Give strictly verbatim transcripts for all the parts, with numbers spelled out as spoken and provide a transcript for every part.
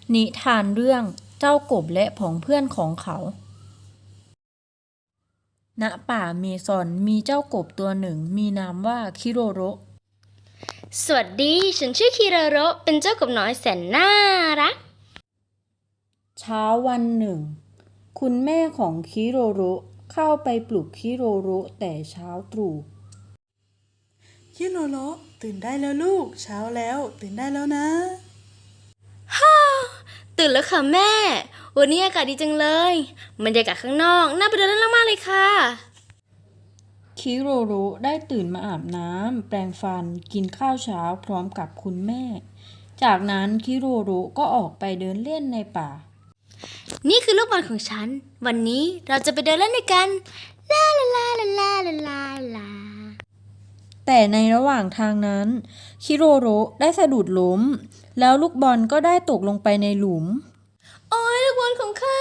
นิทานเรื่องเจ้ากบและผองเพื่อนของเขา ณ ป่าเมซอนมีเจ้ากบตัวหนึ่งมีนามว่าคิโรโรสวัสดี ฉันชื่อคิราโรเป็นเจ้ากบน้อยแสนน่ารักเช้าวันหนึ่ง คุณแม่ของคิโรโรเข้าไปปลุกคิโรโรแต่เช้าตรู่คิโรโรตื่นได้แล้วลูก เช้าแล้วตื่นได้แล้วนะตื่นแล้วค่ะแม่ วันนี้อากาศดีจังเลยบรรยากาศข้างนอกน่าไปเดินเล่นมากๆเลยค่ะคิโรโรได้ตื่นมาอาบน้ำแปรงฟันกินข้าวเช้าพร้อมกับคุณแม่ จากนั้นคิโรโรก็ออกไปเดินเล่นในป่านี่คือลูกบอลของฉัน วันนี้เราจะไปเดินเล่นด้วยกันลาลาลาลาลาลาลาลาแต่ในระหว่างทางนั้นคิโรโรได้สะดุดล้มแล้วลูกบอลก็ได้ตกลงไปในหลุมโอ้ยลูกบอลของข้า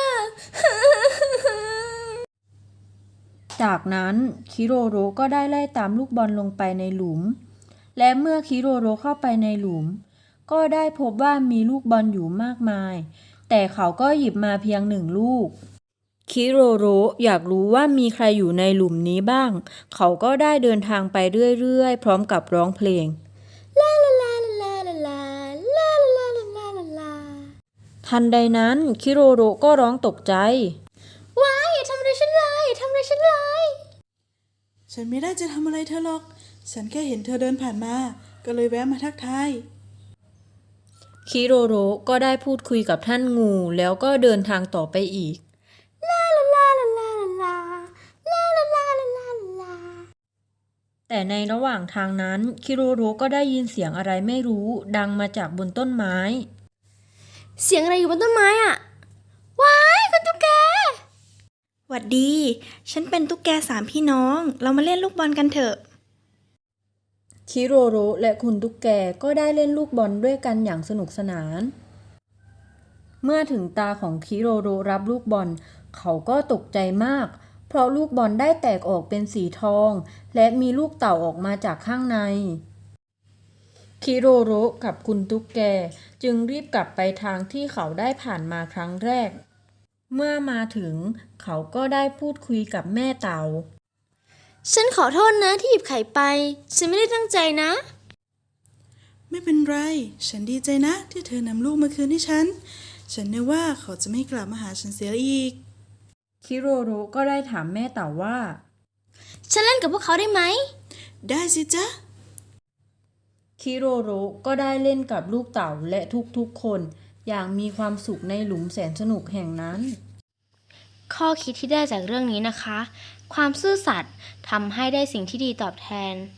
จากนั้นคิโรโรก็ได้ไล่ตามลูกบอลลงไปในหลุมและเมื่อคิโรโรเข้าไปในหลุมก็ได้พบว่ามีลูกบอลอยู่มากมายแต่เขาก็หยิบมาเพียงหนึ่งลูกคิโรโรอยากรู้ว่ามีใครอยู่ในหลุมนี้บ้างเขาก็ได้เดินทางไปเรื่อยๆพร้อมกับร้องเพลงลาลาลาลาลาลาลาลาลาลาลาลาทันใดนั้นคิโรโรก็ร้องตกใจว้ายอย่าทำอะไรฉันเลยอย่าทำอะไรฉันเลยฉันไม่ได้จะทำอะไรเธอหรอก ฉันแค่เห็นเธอเดินผ่านมา ก็เลยแวะมาทักทายคิโรโรก็ได้พูดคุยกับท่านงูแล้วก็เดินทางต่อไปอีกลาลาลาลาลาลาลาลาลาลาลาลาแต่ในระหว่างทางนั้นคิโรโรก็ได้ยินเสียงอะไรไม่รู้ดังมาจากบนต้นไม้เสียงอะไรอยู่บนต้นไม้อ่ะ ว้ายคุณตุ๊กแกหวัดดี ฉันเป็นตุ๊กแกสามพี่น้อง เรามาเล่นลูกบอลกันเถอะคิโรโรและคุณตุ๊กแกก็ได้เล่นลูกบอลด้วยกันอย่างสนุกสนาน เมื่อถึงตาของคิโรโรรับลูกบอลเขาก็ตกใจมากเพราะลูกบอลได้แตกออกเป็นสีทองและมีลูกเต่าออกมาจากข้างในคิโรโรกับคุณตุ๊กแกจึงรีบกลับไปทางที่เขาได้ผ่านมาครั้งแรก เมื่อมาถึงเขาก็ได้พูดคุยกับแม่เต่าฉันขอโทษนะที่หยิบไข่ไป ฉันไม่ได้ตั้งใจนะไม่เป็นไร ฉันดีใจนะ ที่เธอนำลูกมาคืนให้ฉัน ฉันนึกว่าเขาจะไม่กลับมาหาฉันเสียอีกคิโรโรก็ได้ถามแม่เต่าว่าฉันเล่นกับพวกเขาได้ไหมได้สิจ๊ะคิโรโรก็ได้เล่นกับลูกเต่าและทุกๆคนอย่างมีความสุขในหลุมแสนสนุกแห่งนั้นข้อคิดที่ได้จากเรื่องนี้นะคะ ความซื่อสัตย์ทำให้ได้สิ่งที่ดีตอบแทน